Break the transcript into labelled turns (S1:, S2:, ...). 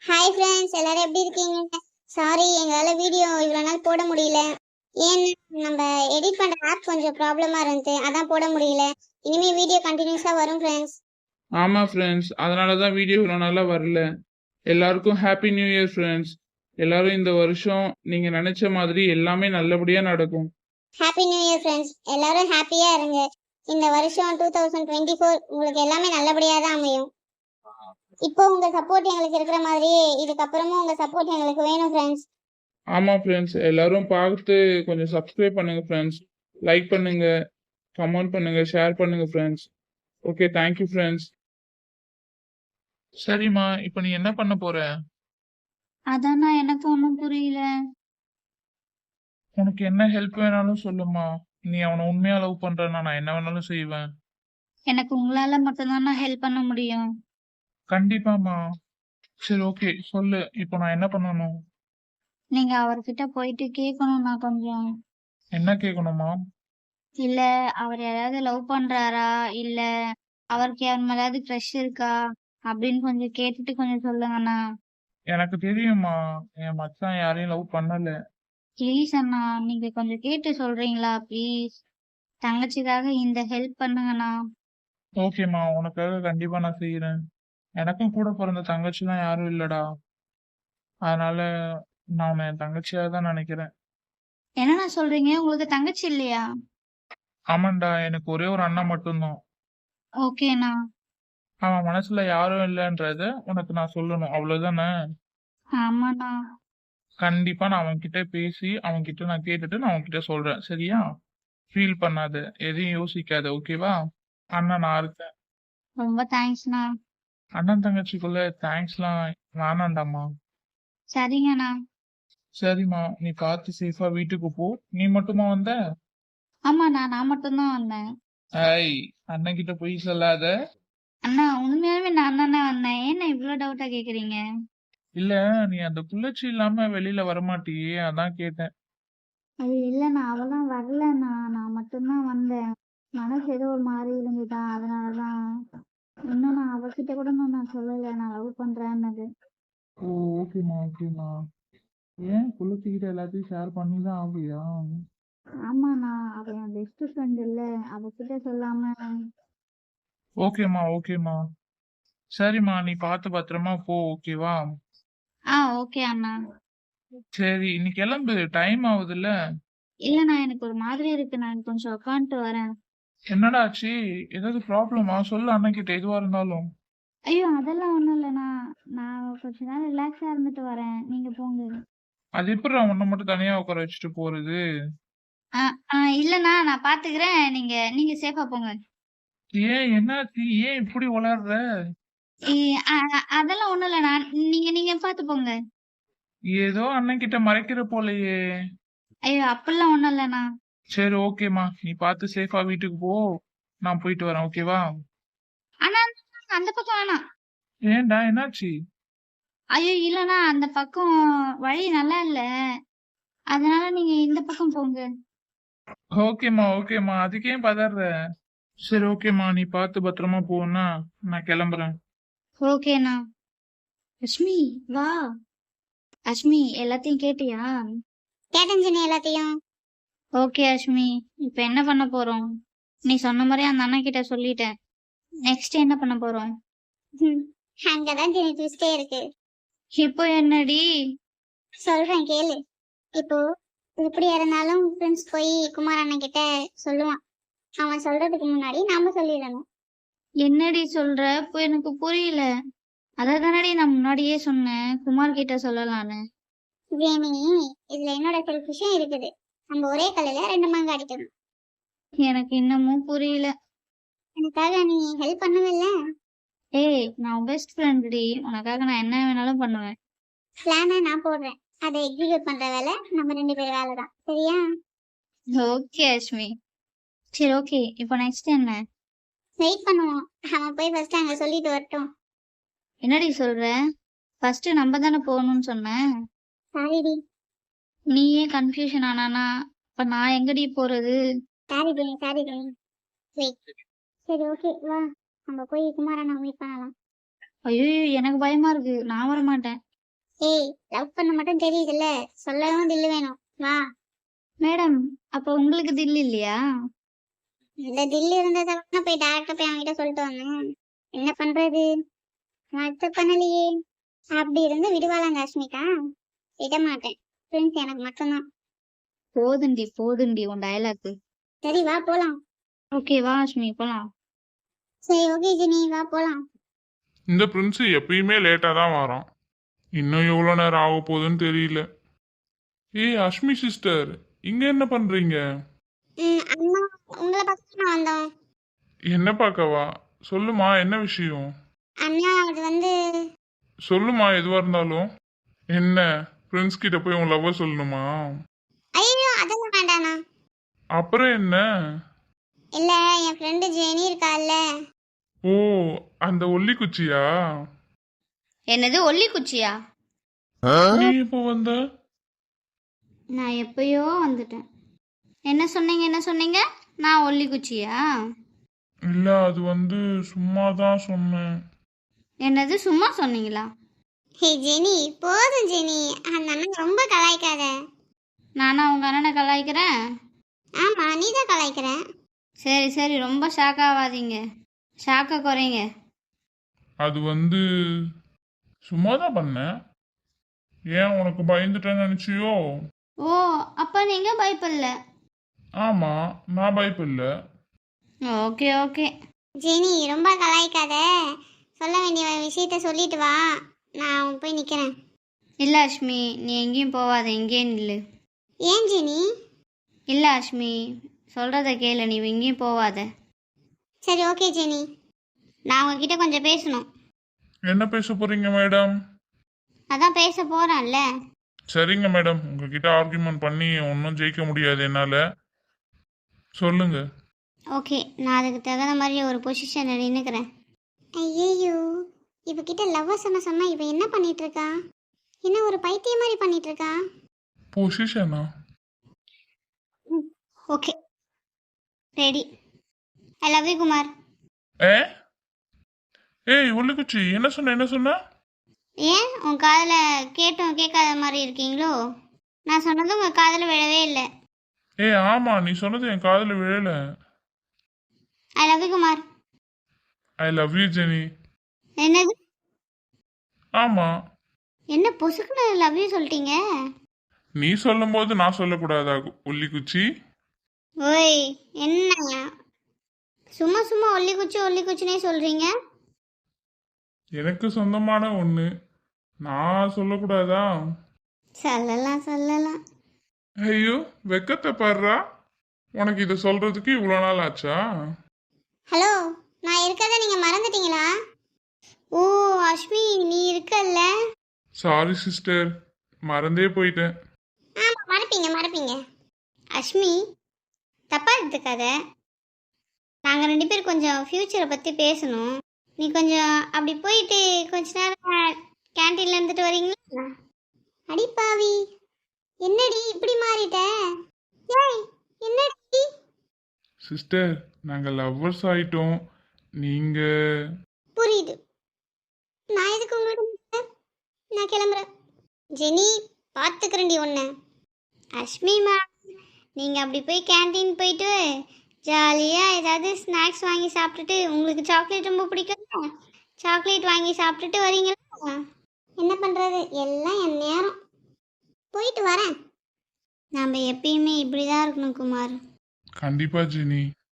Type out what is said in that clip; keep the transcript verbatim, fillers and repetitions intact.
S1: Hi friends, எல்லாரும் எப்படி இருக்கீங்க? சாரி, எங்களால் வீடியோ இவ்வளோ நாள் போட முடியல. ஏன்னா நம்ம எடிட் பண்ணுற ஆப் கொஞ்சம் ப்ராப்ளமாக இருந்துச்சு, அதான் போட முடியல. இனிமேல் வீடியோ கண்டினியூஸாக வரும் ஃப்ரெண்ட்ஸ்.
S2: ஆமாம் ஃப்ரெண்ட்ஸ், அதனால தான் வீடியோ இவ்வளோ நாளாக வரல. எல்லாருக்கும் ஹாப்பி நியூ இயர் ஃப்ரெண்ட்ஸ். எல்லாரும் இந்த வருஷம் நீங்கள் நினச்ச மாதிரி எல்லாமே நல்லபடியாக நடக்கும்.
S1: ஹாப்பி நியூ இயர் ஃப்ரெண்ட்ஸ், எல்லாரும் ஹாப்பியாக இருங்க. இந்த வருஷம் டூ தௌசண்ட் டுவெண்ட்டி ஃபோர் உங்களுக்கு எல்லாமே நல்லபடியாக தான் அமையும். இப்போ உங்க சப்போர்ட் எங்களுக்கு இருக்கிற மாதிரியே இதுக்கப்புறமும் உங்க சப்போர்ட் எங்களுக்கு வேணும் ஃப்ரெண்ட்ஸ்.
S2: ஆமாம் ஃப்ரெண்ட்ஸ், எல்லாரும் பார்த்து கொஞ்சம் சப்ஸ்கிரைப் பண்ணுங்க ஃப்ரெண்ட்ஸ். லைக் பண்ணுங்க, கமெண்ட் பண்ணுங்க, ஷேர் பண்ணுங்க ஃப்ரெண்ட்ஸ். Okay, thank you friends. சரிம்மா, இப்போ நீ என்ன பண்ண போற?
S3: அதானா எனக்கு ஒன்றும் புரியல.
S2: உனக்கு என்ன ஹெல்ப் வேணாலும் சொல்லுமா. நீ அவனை உண்மையா லவ் பண்றனா நான் என்ன வேணாலும் செய்வேன்.
S3: எனக்கு உங்களால மட்டும்தான் நான் ஹெல்ப் பண்ண முடியும்.
S2: கண்டிப்பாமா. சரி, ஓகே, சொல்லு. இப்போ நான் என்ன பண்ணணும்?
S3: நீங்க அவர்கிட்ட போயிட்டு கேட்கணும். நான் கொஞ்சம்
S2: என்ன கேட்கணுமா?
S3: இல்ல அவர் யாராவது லவ் பண்றாரா, இல்ல அவருக்கு யார் மேலாவது க்ரஷ் இருக்கா அப்படின்னு கொஞ்சம் கேட்டுட்டு கொஞ்சம் சொல்லுங்கண்ணா.
S2: எனக்கு தெரியுமா, என் மச்சான் யாரையும் லவ் பண்ணல.
S3: ப்ளீஸ் அண்ணா, நீங்க கொஞ்சம் கேட்டு சொல்றீங்களா ப்ளீஸ்? தங்கச்சிக்காக இந்த ஹெல்ப் பண்ணுங்கண்ணா.
S2: ஓகேம்மா, உனக்காக கண்டிப்பா நான் செய்யறேன். எனக்கும் கூட பிறந்த தங்கச்சிலாம் யாரும் இல்லடா. அதனால நான் உன்னை என் தங்கச்சியா தான் நினைக்கிறேன்.
S3: என்னண்ணா சொல்றீங்க? உங்களுக்கு தங்கச்சி இல்லையா?
S2: ஆமாண்டா, எனக்கு ஒரே ஒரு அண்ணன் மட்டும்தான்.
S3: ஓகேண்ணா.
S2: அவன் மனசுல யாரும் இல்லைன்றத உனக்கு நான் சொல்லணும், அவ்வளவுதானே?
S3: ஆமாண்ணா.
S2: கண்டிப்பா நான் அவன்கிட்ட பேசி அவன்கிட்ட நான் கேட்டுட்டு நான் அவன்கிட்ட சொல்றேன், சரியா? ஃபீல் பண்ணாத, எதையும் யோசிக்காத, ஓகேவா? அண்ணன் நான் இருக்கேன்.
S3: ரொம்ப தேங்க்ஸ்ண்ணா.
S2: அண்ணன் தங்கச்சிக்குள்ள தேங்க்ஸ்லாம் வேணாண்டாம்மா.
S3: சரிங்கண்ணா.
S2: சரிம்மா, நீ பார்த்து சேஃபா வீட்டுக்கு போ. நீ மட்டுமா வந்த?
S3: ஆமாண்ணா, நான் மட்டும்தான் வந்தேன்.
S2: ஐய், அண்ணன் கிட்ட போய் சொல்லாத.
S3: அண்ணா உண்மையாவே நான் தானே வந்தேன். ஏன்னா இவ்ளோ டவுட்டா கேக்குறீங்க?
S2: இல்ல, நீ அந்த குள்ளச்சி இல்லாம வெளியில வரமாட்டியே, அதான் கேட்டேன்.
S3: அது இல்லண்ணா, அவெல்லாம் வரலண்ணா. நான் மட்டும்தான் வந்தேன். மனசு ஏதோ ஒரு மாதிரி இருந்துதா, அதனாலதான். இன்னும் நான் அவகிட்ட கூட இன்னும் நான் சொல்லல நான் லவ் பண்றேன்னது.
S2: ஓ, ஓகேம்மா, ஓகேம்மா. ஏன் குள்ளச்சி கிட்ட எல்லாத்தையும் ஷேர் பண்ணி தான் ஆகுயா?
S3: ஆமாண்ணா, அவ என் பெஸ்ட் ஃப்ரெண்ட் இல்ல, அவகிட்ட சொல்லாம.
S2: ஓகேம்மா, ஓகேம்மா. சரிம்மா, நீ பார்த்து பத்திரமா போ, ஓகேவா?
S3: ஆ ஓகே அண்ணா.
S2: சரி, நீ கிளம்பு, டைம் ஆகுதுல்ல.
S3: இல்லண்ணா, எனக்கு ஒரு மாதிரி இருக்கு. நான் கொஞ்சம் உட்காந்துட்டு வரேன்.
S2: என்னடா ஆச்சு? ஏதாவது ப்ராப்ளமா? சொல்லு அண்ணன் கிட்ட, எதுவா இருந்தாலும்.
S3: ஐயோ அதெல்லாம் ஒண்ணும் இல்லண்ணா. நான் கொஞ்ச நேரம் ரிலாக்ஸா இருந்துட்டு வரேன். நீங்க போங்க.
S2: அது எப்படி உன்னை மட்டும் தனியா உட்கார வச்சுட்டு போறது?
S3: ஆ ஆ இல்லண்ணா, நான் பாத்துக்கிறேன். நீங்க நீங்க சேஃபா போங்க.
S2: ஏன், என்னாச்சு? ஏன் இப்படி உளர்ற?
S3: இ அ அ- அதெல்லாம் ஒண்ணும் இல்லண்ணா. நீங்க நீங்க பாத்து போங்க.
S2: ஏதோ அண்ணன் கிட்ட மறைக்கிற போலயே.
S3: ஐயோ அப்படிலாம் ஒண்ணும் இல்லண்ணா.
S2: சரி, ஓகேம்மா, நீ பார்த்து சேஃபா வீட்டுக்கு போ. நான் போயிட்டு வரேன், ஓகேவா?
S3: ஆனா அந்த பக்கம் வேணாம்.
S2: ஏன்டா, என்னாச்சு?
S3: ஐயோ இல்லண்ணா, அந்த பக்கம் வழி நல்லா இல்ல. அதனால நீங்க இந்த பக்கம் போங்க.
S2: ஓகேம்மா, ஓகேம்மா, அதுக்கு ஏன் பதற? சரி, ஓகேம்மா, நீ பார்த்து பத்திரமா போன்னா நான் கிளம்புறேன்.
S3: ஓகேண்ணா. அஷ்மி வா. அஷ்மி எல்லாத்தையும் கேட்டியா?
S1: கேட்டேன் ஜெனி எல்லாத்தையும்.
S3: ஓகே அஷ்மி, இப்ப என்ன பண்ண போறோம்? நீ சொன்ன மாதிரி அந்த அண்ணா கிட்ட சொல்லிட்டேன். நெக்ஸ்ட் என்ன பண்ண போறோம்?
S1: ம், அங்கதான் ஜெனி ட்விஸ்டே இருக்கு.
S3: இப்போ என்னடி?
S1: சொல்றேன் கேளு. இப்போ எப்படி இருந்தாலும் ஃப்ரெண்ட்ஸ் போய் குமார் அண்ணன் கிட்ட சொல்லுவான். அவன் சொல்றதுக்கு முன்னாடி நாம சொல்லிடணும்.
S3: என்னடி சொல்ற? இப்போ எனக்கு புரியல. அதை தானடி நான் முன்னாடியே சொன்னேன், குமார் கிட்ட சொல்லலான்னு.
S1: ஜெனி, இதுல என்னோட செல்ஃபிஷும் இருக்குது. நம்ம ஒரே கல்லுல ரெண்டு மாங்காய் அடிக்கணும்.
S3: எனக்கு இன்னமும் புரியல.
S1: எனக்காக நீ ஹெல்ப் பண்ணவில்ல.
S3: ஏய், நான் பெஸ்ட் ஃப்ரெண்ட்டி, உனக்காக நான் என்ன வேணாலும் பண்ணுவேன்.
S1: பிளானை நான் போடுறேன், அதை எக்ஸிக்யூட் பண்ற வேலை நம்ம ரெண்டு பேர் வேலை தான், சரியா?
S3: ஓகே அஷ்மி. சரி ஓகே, இப்போ நெக்ஸ்ட் என்ன?
S1: வெயிட் பண்ணுவோம். அவன் போய் ஃபர்ஸ்ட் அங்க சொல்லிட்டு வரட்டும்.
S3: என்னடி சொல்ற? ஃபர்ஸ்ட் நம்ம தானே போகணும்னு சொன்னேன்.
S1: சாரிடி.
S3: நீயே கன்ஃபியூஷன் ஆனானா இப்ப நான் எங்கடி போறது?
S1: Sorry Jenny, sorry Jenny. Wait. சரி ஓகே, வா நம்ம போய் குமாரண்ணா மீட் பண்ணலாம்.
S3: ஐயோ எனக்கு பயமா இருக்கு, நான் வர மாட்டேன்.
S1: ஏய் லவ் பண்ண மட்டும் தெரியுதுல்ல, சொல்லவும் தில்லு வேணும். வா.
S3: மேடம் அப்போ உங்களுக்கு தில் இல்லையா?
S1: இந்த தில்லு இருந்ததால போய் டேரக்டா போய் அவன்கிட்ட சொல்லிட்டு வந்தேன். என்ன பண்றது, நான் அக்செப்ட் பண்ணலையே. அப்படி இருந்து விடுவாளாங்க அஷ்மிகா? விட மாட்டேன். ஃப்ரெண்ட்ஸ் எனக்கு மட்டும்தான்.
S3: போதுண்டி போதுண்டி உன் டயலாக்கு.
S1: சரி வா போலாம்.
S3: ஓகே வா அஷ்மி போலாம்.
S1: சரி ஓகே ஜெனி வா போலாம்.
S2: இந்த பிரின்ஸ் எப்பயுமே லேட்டாக தான் வரான். இன்னும் எவ்வளோ நேரம் ஆக போகுதுன்னு தெரியல. ஏய் அஷ்மி சிஸ்டர், இங்கே என்ன பண்ணுறீங்க?
S1: ம் அம்மா உங்களை பார்த்து நான் வந்தோம்.
S2: என்ன பார்க்கவா? சொல்லுமா, என்ன விஷயம்?
S1: அண்ணா அது வந்து
S2: சொல்லுமா, எதுவாக இருந்தாலும். என்ன, ஃப்ரெண்ட்ஸ் கிட்ட போய் உன் லவ்வை சொல்லணுமா?
S1: ஐயோ அதெல்லாம் வேண்டாண்ணா.
S2: அப்புறம் என்ன?
S1: இல்ல என் ஃப்ரெண்டு ஜெனி இருக்கால்ல.
S2: ஓ, அந்த ஒல்லி குச்சியா?
S3: என்னது ஒல்லி குச்சியா?
S2: நீ இப்போ வந்த?
S3: நான் எப்பயோ வந்துட்டேன். என்ன சொன்னீங்க என்ன சொன்னீங்க? நான் ஒல்லி குச்சியா?
S2: இல்ல, அது வந்து சும்மா தான் சொன்னேன்.
S3: என்னது சும்மா சொன்னீங்களா?
S1: ஹே ஜெனி போதும் ஜெனி, அந்த அண்ணன் ரொம்ப கலாய்க்காத.
S3: நானா உங்க அண்ணனை கலாய்க்கிறேன்?
S1: ஆமா நீ தான் கலாய்க்கிற.
S3: சரி சரி ரொம்ப ஷாக் ஆகாதீங்க, ஷாக்கை குறைங்க.
S2: அது வந்து சும்மா தான் பண்ணேன். ஏன் உனக்கு பயந்துட்டேன்னு நினைச்சியோ?
S3: ஓ அப்போ நீங்க பயப்படல?
S2: ஆமா, நான் பயப்படல.
S3: Okay okay.
S1: ஜெனி ரொம்ப கலாய்க்காத, சொல்ல வேண்டிய விஷயத்த சொல்லிட்டு வா, நான் போய் நிக்கிறேன்.
S3: இல்லை அஷ்மி நீ எங்கேயும் போவாத, எங்கேயும் நில்லு.
S1: ஏன் ஜெனி?
S3: இல்லை அஷ்மி சொல்கிறத கேளு, நீ எங்கேயும் போவாத.
S1: சரி ஓகே ஜெனி. நான் உங்ககிட்ட கொஞ்சம் பேசணும்.
S2: என்ன பேச போறீங்க மேடம்?
S1: அதான் பேச போறேன்ல.
S2: சரிங்க மேடம், உங்ககிட்ட ஆர்கியூமெண்ட் பண்ணி ஒன்றும் ஜெயிக்க முடியாது என்னால. சொல்லுங்க.
S1: ஓகே நான் அதுக்கு தகுந்த மாதிரி ஒரு பொசிஷனில் நின்றுக்கிறேன். ஐயோ இவகிட்ட லவ் சொன்ன சொன்னா இவ என்ன பண்ணிட்டு இருக்கா? என்ன ஒரு பைத்தியம் மாதிரி பண்ணிட்டு இருக்கா?
S2: பொசிஷனா?
S1: Okay ready. I love you Kumar.
S2: ஏ ஏய் ஒல்லிக்குச்சி, என்ன சொன்ன என்ன சொன்ன?
S1: ஏன் உன் காதில் கேட்டும் கேட்காத மாதிரி இருக்கீங்களோ? நான் சொன்னது உங்கள் காதில் விழவே இல்லை.
S2: ஏ ஆமா, நீ சொன்னது என் காதுல விழல.
S1: I love you Kumar.
S2: I love you Jenny.
S1: என்னது?
S2: ஆமா,
S1: என்ன பொசுக்குன்னு லவ் யூ சொல்லிட்டீங்க?
S2: நீ சொல்லும் போது நான் சொல்லக்கூடாதா ஒல்லிக்குச்சி?
S1: ஓய் என்ன சும்மா சும்மா ஒல்லி குச்சி ஒல்லி குச்சினே சொல்கிறீங்க?
S2: எனக்கு சொந்தமான ஒண்ணு, நான் சொல்லக்கூடாதா?
S1: சொல்லலாம் சொல்லலாம்.
S2: ஐயோ வெக்கத்தை பாடுறா. உனக்கு இதை சொல்றதுக்கு இவ்வளோ நாள் ஆச்சா?
S1: ஹலோ நான் இருக்கறத நீங்கள் மறந்துட்டீங்களா? ஓ அஷ்மி நீ இருக்கல்ல.
S2: சாரி சிஸ்டர், மறந்தே போயிட்டேன்.
S1: ஆமாம் மறப்பீங்க மறப்பீங்க. அஷ்மி தப்பாக எடுத்துக்காத. நாங்கள் ரெண்டு பேரும் கொஞ்சம் ஃப்யூச்சரை பற்றி பேசணும். நீ கொஞ்சம் அப்படி போயிட்டு கொஞ்ச நேரம் கேன்டீனில் இருந்துட்டு வரீங்களா? அடிப்பாவி என்னடி இப்படி மாறிட்ட? ஏய் என்னடி?
S2: சிஸ்டர், நாங்க லவ்வர்ஸ் ஆயிட்டோம். நீங்க
S1: புரியுது. நான் எதுக்கு உங்கள்கிட்ட? நான் கிளம்புறேன். ஜெனி பார்த்துக்கிறேன்டி ஒன்று. அஷ்மி மேம் நீங்கள் அப்படி போய் கேன்டீன் போயிட்டு ஜாலியாக ஏதாவது ஸ்நாக்ஸ் வாங்கி சாப்பிட்டுட்டு, உங்களுக்கு சாக்லேட் ரொம்ப பிடிக்கும், சாக்லேட் வாங்கி சாப்பிட்டுட்டு வரீங்களா? என்ன பண்ணுறது, எல்லாம் என் நேரம். போயிட்டு வரேன். நாம் எப்பயுமே இப்படி தான் இருக்கணும் குமார்.
S2: கண்டிப்பா ஜெனி.